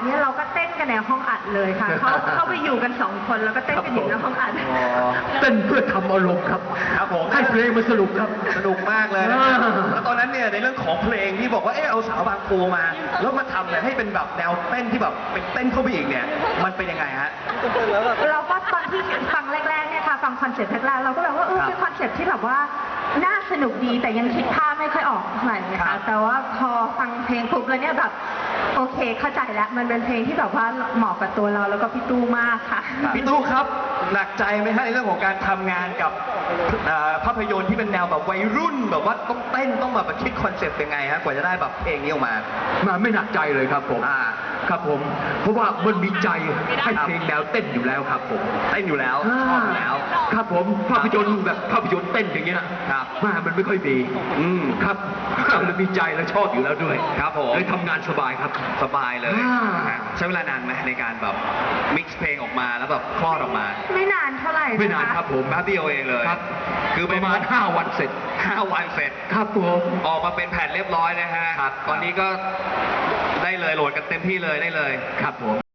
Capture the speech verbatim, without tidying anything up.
เนี่ยเราก็เต้นกันในห้องอัดเลยค่ะเขาเขาไปอยู่กันสองคนแล้วก็เต้นกันอยู่ในห้องอัดเต้นเพื่อทำอารมณ์ครับครับผมให้เพลงมันสนุกครับสนุกมากเลยนะแล้วตอนนั้นเนี่ยในเรื่องของเพลงที่บอกว่าเออเอาสาวบางปูมาแล้วมาทำเนี่ยให้เป็นแบบแนวเต้นที่แบบเป็นเต้นเข้าไปอีกเนี่ยมันเป็นยังไงฮะเราก็ตอนที่ฟังแรกๆเนี่ยค่ะฟังคอนเซ็ปต์แรกๆเราก็แบบว่าเออเป็นคอนเซ็ปต์ที่แบบว่าน่าสนุกดีแต่ยังคิดภาพไม่ค่อยออกเท่าไหร่นะคะแต่ว่าพอฟังเพลงปุ๊บแล้วเนี่ยแบบโอเคเข้าใจแล้วมันเป็นเพลงที่แบบว่าเหมาะกับตัวเราแล้วก็พี่ตู้มากค่ะพี่ตู้ครับหนักใจไหมฮะในเรื่องของการทำงานกับภาพยนตร์ที่เป็นแนวแบบวัยรุ่นแบบว่าต้องเต้นต้องแบบคิดคอนเซ็ปต์ยังไงฮะกว่าจะได้แบบเพลงนี้ออกมามาไม่หนักใจเลยครับผมครับผมเพราะว่ามันมีใจให้เพลงแนวเต้นอยู่แล้วครับผมเต้นอยู่แล้วชอบอยู่แล้วครับผมภาพยนตร์แบบภาพยนตร์เต้นอย่างเงี้ยครับมามันไม่ค่อยมีอืมครับมันมีใจและชอบอยู่แล้วด้วยครับผมเลยทำงานสบายครับสบายเลยใช้เวลานานไหมในการแบบมิกซ์เพลงออกมาแล้วแบบคลอดออกมาไม่นานเท่าไหร่ไม่นานครับผมแป๊บเดียวเองเลยครับคือประมาณห้าวันเสร็จห้าวันเสร็จครับผมออกมาเป็นแผ่นเรียบร้อยนะฮะตอนนี้ก็ได้เลยโหลดกันเต็มที่เลยได้เลยครับผม